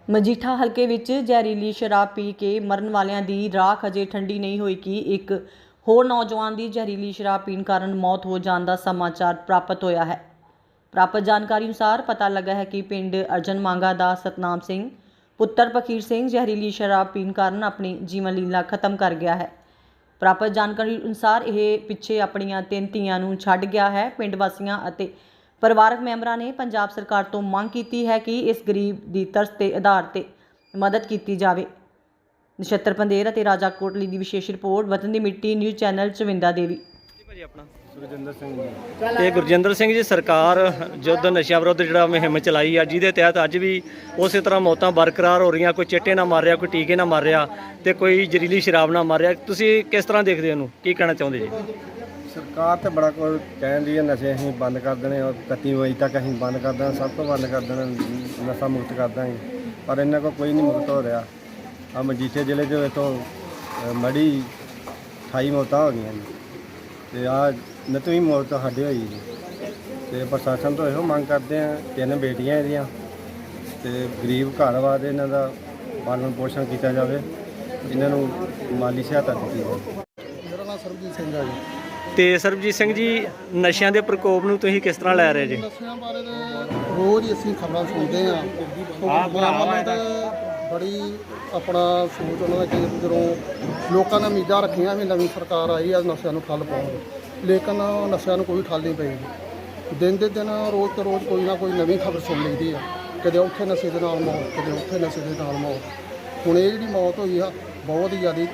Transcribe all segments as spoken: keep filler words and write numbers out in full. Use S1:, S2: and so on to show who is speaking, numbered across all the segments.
S1: ਮਜੀਠਾ ਹਲਕੇ ਵਿੱਚ ਜ਼ਹਿਰੀਲੀ ਸ਼ਰਾਬ ਪੀ ਕੇ ਮਰਨ ਵਾਲਿਆਂ ਦੀ ਰਾਖ ਅਜੇ ਠੰਡੀ ਨਹੀਂ ਹੋਈ ਕਿ ਇੱਕ ਹੋਰ ਨੌਜਵਾਨ ਦੀ ਜ਼ਹਿਰੀਲੀ ਸ਼ਰਾਬ ਪੀਣ ਕਾਰਨ ਮੌਤ ਹੋ ਜਾਣ ਦਾ ਸਮਾਚਾਰ ਪ੍ਰਾਪਤ ਹੋਇਆ ਹੈ। ਪ੍ਰਾਪਤ ਜਾਣਕਾਰੀ ਅਨੁਸਾਰ ਪਤਾ ਲੱਗਾ ਹੈ ਕਿ ਪਿੰਡ ਅਰਜਨ ਮੰਗਾ ਦਾ ਸਤਨਾਮ ਸਿੰਘ ਪੁੱਤਰ ਪਖੀਰ ਸਿੰਘ ਜ਼ਹਿਰੀਲੀ ਸ਼ਰਾਬ ਪੀਣ ਕਾਰਨ ਆਪਣੀ ਜੀਵਨ ਲੀਲਾ ਖਤਮ ਕਰ ਗਿਆ ਹੈ। ਪ੍ਰਾਪਤ ਜਾਣਕਾਰੀ ਅਨੁਸਾਰ ਇਹ ਪਿੱਛੇ ਆਪਣੀਆਂ ਤਿੰਨ ਧੀਆਂ ਨੂੰ ਛੱਡ ਗਿਆ ਹੈ। ਪਿੰਡ ਵਾਸੀਆਂ ਅਤੇ ਪਰਿਵਾਰਕ ਮੈਂਬਰਾਂ ਨੇ ਪੰਜਾਬ ਸਰਕਾਰ ਤੋਂ ਮੰਗ ਕੀਤੀ ਹੈ ਕਿ ਇਸ ਗਰੀਬ ਦੀ ਤਰਸ ਦੇ ਆਧਾਰ ਤੇ ਮਦਦ ਕੀਤੀ ਜਾਵੇ। ਨਛੱਤਰ ਪੰਦੇਰ ਅਤੇ ਰਾਜਾ ਕੋਟਲੀ ਦੀ ਵਿਸ਼ੇਸ਼ ਰਿਪੋਰਟ ਵਤਨ ਦੀ ਮਿੱਟੀ ਨਿਊਜ਼ ਚੈਨਲ ਚਵਿੰਦਾ ਦੇਵੀ।
S2: ਆਪਣਾ
S3: ਗੁਰਜਿੰਦਰ ਸਿੰਘ ਜੀ।
S2: ਤੇ ਗੁਰਜਿੰਦਰ ਸਿੰਘ ਜੀ, ਸਰਕਾਰ ਯੁੱਧ ਨਸ਼ਿਆਂ ਵਿਰੁੱਧ ਜਿਹੜਾ ਮੁਹਿੰਮ ਚਲਾਈ ਆ, ਜਿਹਦੇ ਤਹਿਤ ਅੱਜ ਵੀ ਉਸੇ ਤਰ੍ਹਾਂ ਮੌਤਾਂ ਬਰਕਰਾਰ ਹੋ ਰਹੀਆਂ। ਕੋਈ ਚਿੱਟੇ ਨਾਲ ਮਾਰ ਰਿਹਾ, ਕੋਈ ਟੀਕੇ ਨਾਲ ਮਾਰ ਰਿਹਾ ਤੇ ਕੋਈ ਜ਼ਹਿਰੀਲੀ ਸ਼ਰਾਬ ਨਾਲ ਮਾਰ ਰਿਹਾ। ਤੁਸੀਂ ਕਿਸ ਤਰ੍ਹਾਂ ਦੇਖਦੇ ਹੋ ਇਹਨੂੰ, ਕੀ ਕਹਿਣਾ ਚਾਹੁੰਦੇ ਜੀ?
S3: ਸਰਕਾਰ ਤੇ ਬੜਾ ਕੁਝ ਕਹਿਣ ਦੀ ਹੈ, ਨਸ਼ੇ ਅਸੀਂ ਬੰਦ ਕਰ ਦੇਣੇ ਔਰ ਇਕੱਤੀ ਵਜੇ ਤੱਕ ਅਸੀਂ ਬੰਦ ਕਰ ਦੇਣਾ, ਸਭ ਤੋਂ ਬੰਦ ਕਰ ਦੇਣਾ, ਨਸ਼ਾ ਮੁਕਤ ਕਰ ਦਾਂਗੇ। ਪਰ ਇਹਨਾਂ ਕੋਲ ਕੋਈ ਨਹੀਂ ਮੁਕਤ ਹੋ ਰਿਹਾ। ਆ ਮਜੀਠੇ ਜ਼ਿਲ੍ਹੇ ਦੇ ਵਿੱਚੋਂ ਮੜੀ ਅਠਾਈ ਮੌਤਾਂ ਹੋ ਗਈਆਂ ਜੀ ਅਤੇ ਆਹ ਨਤਵੀਂ ਮੌਤ ਸਾਡੇ ਹੋਈ ਜੀ। ਅਤੇ ਪ੍ਰਸ਼ਾਸਨ ਤੋਂ ਇਹੋ ਮੰਗ ਕਰਦੇ ਹਾਂ, ਤਿੰਨ ਬੇਟੀਆਂ ਇਹਦੀਆਂ ਅਤੇ ਗਰੀਬ ਘਰ ਵਾ ਅਤੇ ਇਹਨਾਂ ਦਾ ਪਾਲਣ ਪੋਸ਼ਣ ਕੀਤਾ ਜਾਵੇ, ਇਹਨਾਂ ਨੂੰ ਮਾਲੀ ਸਹਾਇਤਾ ਦਿੱਤੀ ਜਾਵੇ।
S4: ਮੇਰਾ ਨਾਮ ਸਰਬਜੀਤ ਸਿੰਘ ਹੈ ਜੀ।
S2: ਤੇ ਸਰਬਜੀਤ ਸਿੰਘ ਜੀ, ਨਸ਼ਿਆਂ ਦੇ ਪ੍ਰਕੋਪ ਨੂੰ ਤੁਸੀਂ ਕਿਸ ਤਰ੍ਹਾਂ ਲੈ ਰਹੇ ਜੀ?
S4: ਨਸ਼ਿਆਂ ਬਾਰੇ ਤਾਂ ਰੋਜ਼ ਹੀ ਅਸੀਂ ਖਬਰਾਂ ਸੁਣਦੇ ਹਾਂ। ਭਗਵਾਨ ਤਾਂ ਬੜੀ ਆਪਣਾ ਸੋਚ ਉਹਨਾਂ ਦਾ ਕਿ ਜਦੋਂ ਲੋਕਾਂ ਨੇ ਉਮੀਦਾਂ ਰੱਖੀਆਂ ਵੀ ਨਵੀਂ ਸਰਕਾਰ ਆਈ ਆ ਨਸ਼ਿਆਂ ਨੂੰ ਠੱਲ ਪਾਉਣ, ਲੇਕਿਨ ਨਸ਼ਿਆਂ ਨੂੰ ਕੋਈ ਠੱਲ ਨਹੀਂ ਪਈ। ਦਿਨ ਦੇ ਦਿਨ ਰੋਜ਼ ਤੋਂ ਰੋਜ਼ ਕੋਈ ਨਾ ਕੋਈ ਨਵੀਂ ਖਬਰ ਸੁਣ ਲਈਦੀ ਆ, ਕਦੇ ਉੱਥੇ ਨਸ਼ੇ ਦੇ ਨਾਲ ਮੌਤ, ਕਦੇ ਉੱਥੇ ਨਸ਼ੇ ਦੇ ਨਾਲ ਮੌਤ। ਹੁਣ ਇਹ ਜਿਹੜੀ ਮੌਤ ਹੋਈ ਆ ਬਹੁਤ ਹੀ ਜ਼ਿਆਦਾ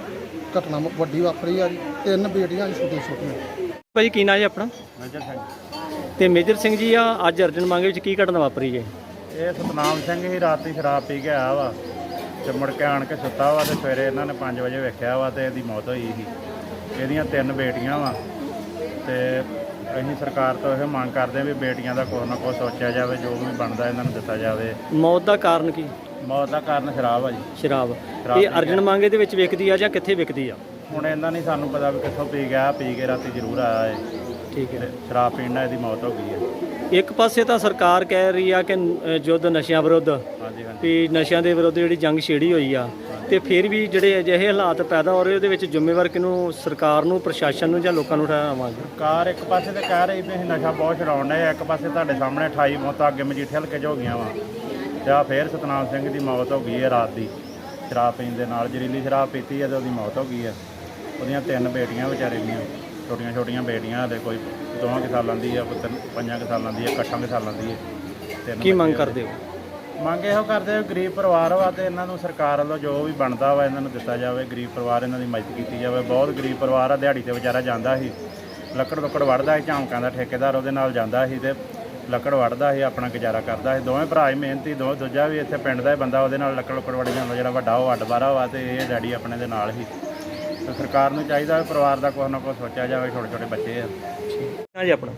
S4: ਘਟਨਾ ਵੱਡੀ ਵਾਪਰੀ ਆ ਜੀ। ਤਿੰਨ ਬੇਟੀਆਂ ਜੀ ਛੋਟੀਆਂ ਛੋਟੀਆਂ।
S2: ਭਾਜੀ ਕੀ ਨਾਂ ਜੀ ਆਪਣਾ?
S3: ਮੇਜਰ ਸਿੰਘ।
S2: ਤੇ ਮੇਜਰ ਸਿੰਘ ਜੀ, ਆ ਅੱਜ ਅਰਜਨ ਮੰਗੇ ਵਿੱਚ ਕੀ ਘਟਨਾ ਵਾਪਰੀ ਜੀ?
S3: ਇਹ ਸਤਨਾਮ ਸਿੰਘ ਹੀ ਰਾਤੀ ਸ਼ਰਾਬ ਪੀ ਕੇ ਆਇਆ ਵਾ ਅਤੇ ਮੁੜ ਕੇ ਆਣ ਕੇ ਸੁੱਤਾ ਵਾ ਅਤੇ ਸਵੇਰੇ ਇਹਨਾਂ ਨੇ ਪੰਜ ਵਜੇ ਵੇਖਿਆ ਵਾ ਅਤੇ ਇਹਦੀ ਮੌਤ ਹੋਈ ਸੀ। ਇਹਦੀਆਂ ਤਿੰਨ ਬੇਟੀਆਂ ਵਾ ਅਤੇ ਅਸੀਂ ਸਰਕਾਰ ਤੋਂ ਇਹ ਮੰਗ ਕਰਦੇ ਹਾਂ ਵੀ ਬੇਟੀਆਂ ਦਾ ਕੁਛ ਨਾ ਕੁਛ ਸੋਚਿਆ ਜਾਵੇ, ਜੋ ਵੀ ਬਣਦਾ ਇਹਨਾਂ ਨੂੰ ਦਿੱਤਾ ਜਾਵੇ।
S2: ਮੌਤ ਦਾ ਕਾਰਨ ਕੀ?
S3: ਮੌਤ ਦਾ ਕਾਰਨ ਸ਼ਰਾਬ ਆ ਜੀ।
S2: ਸ਼ਰਾਬ। ਇਹ ਅਰਜਨ ਮੰਗੇ ਦੇ ਵਿੱਚ ਵਿਕਦੀ ਆ ਜਾਂ ਕਿੱਥੇ ਵਿਕਦੀ ਆ?
S3: ਹੁਣ ਇਹਨਾਂ ਨਹੀਂ ਸਾਨੂੰ ਪਤਾ ਵੀ ਕਿੱਥੋਂ ਪੀ ਗਿਆ, ਪੀ ਕੇ ਰਾਤੀ ਜ਼ਰੂਰ ਆਇਆ ਹੈ।
S2: ਠੀਕ ਹੈ।
S3: ਸ਼ਰਾਬ ਪੀਣ ਨਾਲ ਇਹਦੀ ਮੌਤ ਹੋ ਗਈ ਹੈ।
S2: ਇੱਕ ਪਾਸੇ ਤਾਂ ਸਰਕਾਰ ਕਹਿ ਰਹੀ ਆ ਕਿ ਯੁੱਧ ਨਸ਼ਿਆਂ ਵਿਰੁੱਧ,
S3: ਹਾਂਜੀ ਹਾਂਜੀ
S2: ਵੀ ਨਸ਼ਿਆਂ ਦੇ ਵਿਰੁੱਧ ਜਿਹੜੀ ਜੰਗ ਛੇੜੀ ਹੋਈ ਆ, ਤੇ ਫਿਰ ਵੀ ਜਿਹੜੇ ਅਜਿਹੇ ਹਾਲਾਤ ਪੈਦਾ ਹੋ ਰਹੇ ਉਹਦੇ ਵਿੱਚ ਜ਼ਿੰਮੇਵਾਰ ਕਿਹਨੂੰ? ਸਰਕਾਰ ਨੂੰ, ਪ੍ਰਸ਼ਾਸਨ ਨੂੰ ਜਾਂ ਲੋਕਾਂ ਨੂੰ ਠਹਿਰਾਵਾਂਗੇ?
S3: ਸਰਕਾਰ ਇੱਕ ਪਾਸੇ ਤੇ ਕਹਿ ਰਹੀ ਵੀ ਅਸੀਂ ਨਸ਼ਾ ਬਹੁਤ ਛਡਾਉਣ ਡਏ, ਇੱਕ ਪਾਸੇ ਤੁਹਾਡੇ ਸਾਹਮਣੇ ਅਠਾਈ ਮੌਤਾਂ ਅੱਗੇ ਮਜੀਠੇ ਹਲਕੇ 'ਚ ਹੋ ਗਈਆਂ ਵਾ ਅਤੇ ਆ ਫਿਰ ਸਤਨਾਮ ਸਿੰਘ ਦੀ ਮੌਤ ਹੋ ਗਈ ਹੈ ਰਾਤ ਦੀ ਸ਼ਰਾਬ ਪੀਣ ਦੇ ਨਾਲ। ਜ਼ਹਿਰੀਲੀ ਸ਼ਰਾਬ ਪੀਤੀ ਹੈ ਅਤੇ ਉਹਦੀ ਮੌਤ ਹੋ ਗਈ ਹੈ। ਉਹਦੀਆਂ ਤਿੰਨ ਬੇਟੀਆਂ ਵਿਚਾਰੇ ਦੀਆਂ ਛੋਟੀਆਂ ਛੋਟੀਆਂ ਬੇਟੀਆਂ, ਹਲੇ ਕੋਈ ਦੋਵਾਂ ਕੁ ਸਾਲਾਂ ਦੀ ਆ, ਪੁੱਤਰ ਪੰਜਾਂ ਕੁ ਸਾਲਾਂ ਦੀ ਹੈ, ਅੱਠਾਂ ਕੁ ਸਾਲਾਂ ਦੀ ਹੈ। ਤਿੰਨ
S2: ਕੀ ਮੰਗ ਕਰਦੇ ਹੋ?
S3: ਮੰਗ ਇਹੋ ਕਰਦੇ ਹੋ, ਗਰੀਬ ਪਰਿਵਾਰ ਵਾ ਅਤੇ ਇਹਨਾਂ ਨੂੰ ਸਰਕਾਰ ਵੱਲੋਂ ਜੋ ਵੀ ਬਣਦਾ ਵਾ ਇਹਨਾਂ ਨੂੰ ਦਿੱਤਾ ਜਾਵੇ। ਗਰੀਬ ਪਰਿਵਾਰ ਇਹਨਾਂ ਦੀ ਮਦਦ ਕੀਤੀ ਜਾਵੇ। ਬਹੁਤ ਗਰੀਬ ਪਰਿਵਾਰ ਆ, ਦਿਹਾੜੀ 'ਤੇ ਵਿਚਾਰਾ ਜਾਂਦਾ ਸੀ, ਲੱਕੜ ਲੁੱਕੜ ਵੱਢਦਾ ਸੀ, ਝਾਂਕਾਂ ਦਾ ਠੇਕੇਦਾਰ ਉਹਦੇ ਨਾਲ ਜਾਂਦਾ ਸੀ ਅਤੇ ਲੱਕੜ ਵੱਢਦਾ ਸੀ, ਆਪਣਾ ਗੁਜ਼ਾਰਾ ਕਰਦਾ ਸੀ। ਦੋਵੇਂ ਭਰਾ ਹੀ ਮਿਹਨਤੀ, ਦੋ ਦੂਜਾ ਵੀ ਇੱਥੇ ਪਿੰਡ ਦਾ ਹੀ ਬੰਦਾ, ਉਹਦੇ ਨਾਲ ਲੱਕੜ ਲੁੱਕੜ ਵੱਢ ਜਾਂਦਾ। ਜਿਹੜਾ ਵੱਡਾ ਉਹ ਅੱਡ ਬਾਰਾ ਵਾ ਅਤੇ ਇਹ ਡੈਡੀ ਆਪਣੇ ਦੇ ਨਾਲ ਹੀ। ਅਤੇ ਸਰਕਾਰ ਨੂੰ ਚਾਹੀਦਾ ਪਰਿਵਾਰ ਦਾ ਕੁਛ ਨਾ ਕੁਛ ਸੋਚਿਆ ਜਾਵੇ। ਛੋਟੇ ਛੋਟੇ ਬੱਚੇ ਆ।
S2: ਹਾਂਜੀ ਆਪਣਾ?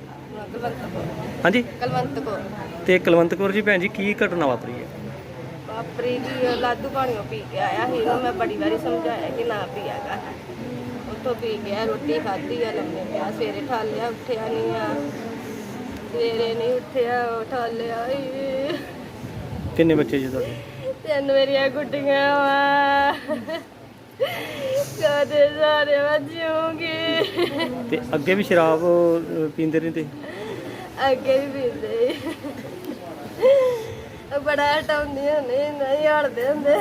S2: ਹਾਂਜੀ
S5: ਕਲਵੰਤ ਕੌਰ।
S2: ਤੇ ਕੁਲਵੰਤ ਕੌਰ ਜੀ, ਭੈਣ ਜੀ ਕੀ ਘਟਨਾ ਵਾਪਰੀ ਹੈ?
S5: ਵਾਪਰੀ ਜੀ ਲਾਦੂ ਪਾਣੀਓ ਪੀ ਕੇ ਆਇਆ ਸੀ। ਇਹਨੂੰ ਮੈਂ ਬੜੀ ਵਾਰੀ ਸਮਝਾਇਆ ਕਿ ਨਾ ਪੀਆ ਕਰ। ਉੱਥੋਂ ਪੀ ਗਿਆ, ਰੋਟੀ ਖਾਧੀ ਆ, ਲੰਮੇ ਪਿਆ, ਸਵੇਰੇ ਠਾਲਿਆ, ਉੱਠਿਆ ਨਹੀਂ ਆ, ਸਵੇਰੇ ਨਹੀਂ ਉੱਠਿਆ, ਠਾਲਿਆ।
S2: ਕਿੰਨੇ ਬੱਚੇ ਜੀ ਤੁਹਾਡੇ?
S5: ਤਿੰਨ ਮੇਰੀਆਂ ਗੁੱਡੀਆਂ ਵਾ, ਕਦੇ ਸਾਰੇ ਵਜੂਗੀ।
S2: ਤੇ ਅੱਗੇ ਵੀ ਸ਼ਰਾਬ ਅ, ਪੀਂਦੇ ਰਹਿੰਦੇ?
S5: ਅੱਗੇ ਵੀ ਪੀਂਦੇ ਬੜਾ ਹਟਾਉਂਦੀਆਂ ਨੇ, ਨਹੀਂ ਹਟਦੇ ਹੁੰਦੇ।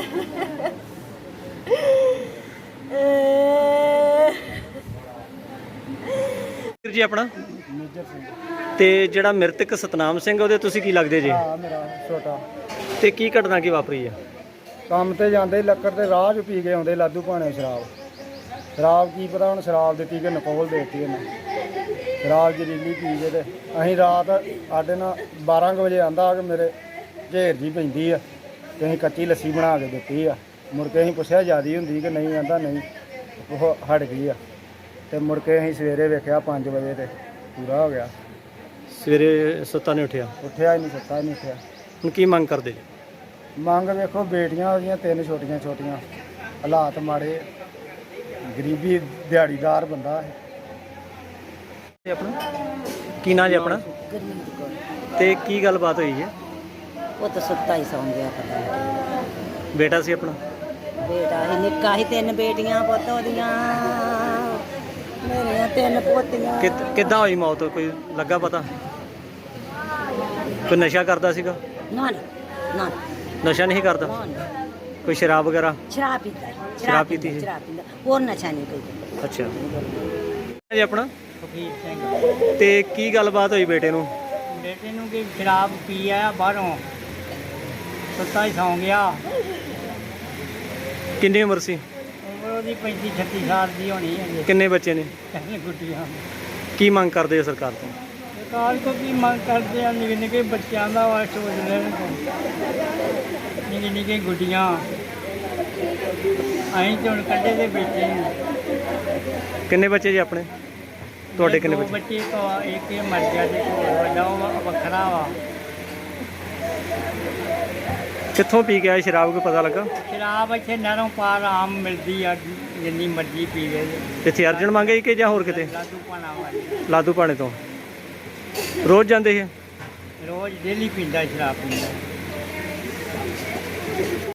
S2: ਵੀਰ ਜੀ ਆਪਣਾ?
S4: ਮੇਜਰ ਸਿੰਘ।
S2: ਤੇ ਜਿਹੜਾ ਮ੍ਰਿਤਕ ਸਤਨਾਮ ਸਿੰਘ, ਉਹਦੇ ਤੁਸੀਂ ਕੀ ਲੱਗਦੇ ਜੀ?
S4: ਹਾਂ, ਮੇਰਾ ਛੋਟਾ।
S2: ਤੇ ਕੀ ਘਟਨਾ ਕੀ ਵਾਪਰੀ ਆ?
S4: ਕੰਮ ਤੇ ਜਾਂਦੇ ਲੱਕੜ ਤੇ ਰਾਹ 'ਚ ਪੀ ਕੇ ਆਉਂਦੇ ਲਾਦੂ ਭਾਣੇ ਸ਼ਰਾਬ। ਸ਼ਰਾਬ ਕੀ ਪਤਾ ਹੁਣ ਸ਼ਰਾਬ ਦਿੱਤੀ ਕਿ ਨਕੋਲ ਦੇਤੀ ਇਹਨੇ। ਸ਼ਰਾਬ ਜ਼ਹਿਰੀਲੀ ਪੀ ਕੇ ਤੇ ਅਸੀਂ ਰਾਤ ਸਾਡੇ ਨਾਲ ਬਾਰਾਂ ਕੁ ਵਜੇ ਆਂਦਾ ਕਿ ਮੇਰੇ ਘੇਰ ਜੀ ਪੈਂਦੀ ਆ ਅਤੇ ਅਸੀਂ ਕੱਚੀ ਲੱਸੀ ਬਣਾ ਕੇ ਦਿੱਤੀ ਆ। ਮੁੜ ਕੇ ਅਸੀਂ ਪੁੱਛਿਆ ਜ਼ਿਆਦਾ ਹੁੰਦੀ ਕਿ ਨਹੀਂ, ਆਂਦਾ ਨਹੀਂ, ਉਹ ਹਟ ਗਈ ਆ। ਅਤੇ ਮੁੜ ਕੇ ਅਸੀਂ ਸਵੇਰੇ ਵੇਖਿਆ ਪੰਜ ਵਜੇ ਤੇ ਪੂਰਾ ਹੋ ਗਿਆ।
S2: ਸਵੇਰੇ ਸੁੱਤਾ ਨਹੀਂ ਉੱਠਿਆ?
S4: ਉੱਠਿਆ ਹੀ ਨਹੀਂ, ਸੁੱਤਾ ਹੀ ਨਹੀਂ ਉੱਠਿਆ।
S2: ਹੁਣ ਕੀ ਮੰਗ ਕਰਦੇ ਜੀ?
S4: ਮੰਗ ਵੇਖੋ, ਬੇਟੀਆਂ ਉਹਦੀਆਂ ਤਿੰਨ ਛੋਟੀਆਂ ਛੋਟੀਆਂ, ਹਾਲਾਤ ਮਾੜੇ, ਗਰੀਬੀ, ਦਿਹਾੜੀਦਾਰ ਬੰਦਾ ਹੈ।
S2: ਆਪਣਾ ਕੀ ਨਾਂ ਜੀ ਆਪਣਾ? ਤੇ ਕੀ ਗੱਲਬਾਤ ਹੋਈ ਹੈ?
S6: ਉਹ ਤਾਂ ਸੁੱਤਾ ਹੀ ਸੌਂ ਗਿਆ ਪਤਾ ਨਹੀਂ
S2: ਬੇਟਾ ਸੀ ਆਪਣਾ?
S6: ਬੇਟਾ ਹੀ ਨਿੱਕਾ ਹੀ, ਤਿੰਨ ਬੇਟੀਆਂ ਪੁੱਤ ਉਹਦੀਆਂ, ਮੇਰੀਆਂ ਤਿੰਨ ਪੋਤੀਆਂ।
S2: ਕਿ ਕਿੱਦਾਂ ਹੋਈ ਮੌਤ, ਕੋਈ ਲੱਗਾ ਪਤਾ? ਕੋਈ ਨਸ਼ਾ ਕਰਦਾ ਸੀਗਾ?
S6: ਨਾ ਨਾ
S2: ਨਸ਼ਾ ਨਹੀਂ ਕਰਦਾ?
S6: ਨਾ ਨਾ,
S2: ਕੋਈ ਸ਼ਰਾਬ ਵਗੈਰਾ?
S6: ਸ਼ਰਾਬ ਪੀਤਾ ਹੈ,
S2: ਸ਼ਰਾਬ ਪੀਤੀ ਸੀ?
S6: ਸ਼ਰਾਬ ਪੀਂਦਾ, ਹੋਰ ਨਸ਼ਾ ਨਹੀਂ ਕੋਈ।
S2: ਅੱਛਾ ਜੀ। ਆਪਣਾ
S7: ਫਕੀਰ ਸਿੰਘ।
S2: ਤੇ ਕੀ ਗੱਲਬਾਤ ਹੋਈ ਬੇਟੇ ਨੂੰ?
S7: ਬੇਟੇ ਨੂੰ ਕਿ ਸ਼ਰਾਬ ਪੀ ਆਇਆ ਬਾਹਰੋਂ, ਸੁੱਤਾ ਹੀ ਸੌਂ ਗਿਆ।
S2: ਕਿੰਨੀ ਉਮਰ ਸੀ?
S7: ਉਮਰ ਉਹਦੀ ਪੈਂਤੀ ਛੱਤੀ ਸਾਲ ਦੀ ਹੋਣੀ ਹੈ।
S2: ਕਿੰਨੇ ਬੱਚੇ ਨੇ?
S7: ਕਹਿੰਦੇ ਗੁੱਡੀਆਂ।
S2: ਕੀ ਮੰਗ ਕਰਦੇ ਹੋ ਸਰਕਾਰ ਤੋਂ?
S7: ਸਰਕਾਰ ਕੋ ਕੀ ਮੰਗ ਕਰਦੇ ਆ? ਨਿੱਕੇ ਨਿੱਕੇ ਬੱਚਿਆਂ ਦਾ ਵਾ ਸੋਚ ਲੈਣ, ਨਿੱਕੇ ਨਿੱਕੇ ਗੁੱਡੀਆਂ। ਅਸੀਂ ਤੇ ਹੁਣ ਕੱਢੇ ਦੇ ਬੈਠੇ ਹਾਂ।
S2: ਕਿੰਨੇ ਬੱਚੇ ਜੀ ਆਪਣੇ? ਤੁਹਾਡੇ ਕਿੰਨੇ
S7: ਦੋ
S2: ਬੱਚੇ?
S7: ਬੱਚੇ ਕੋ ਇੱਕ ਇਹ ਮਰ ਗਿਆ ਤੇ ਕੋਲ ਵੱਡਾ ਉਹ ਵੱਖਰਾ ਵਾ।
S2: ਕਿੱਥੋਂ ਪੀ ਕੇ ਆਏ ਸ਼ਰਾਬ, ਕੋਈ ਪਤਾ ਲੱਗਾ?
S7: ਸ਼ਰਾਬ ਇੱਥੇ ਨਹਿਰੋਂ ਪਾਰ ਆਮ ਮਿਲਦੀ ਆ, ਜਿੰਨੀ ਮਰਜ਼ੀ ਪੀਵੇ।
S2: ਇੱਥੇ ਅਰਜਨ ਮੰਗੇ ਕਿ ਜਾਂ ਹੋਰ ਕਿਤੇ?
S7: ਲਾਦੂ ਪਾਣਾ ਵਾਲੀ
S2: ਲਾਦੂ ਪਾਣੇ ਤੋਂ ਰੋਜ਼ ਜਾਂਦੇ ਸੀ?
S7: ਰੋਜ਼ ਡੇਲੀ ਪੀਂਦਾ ਸ਼ਰਾਬ ਪੀਂਦਾ।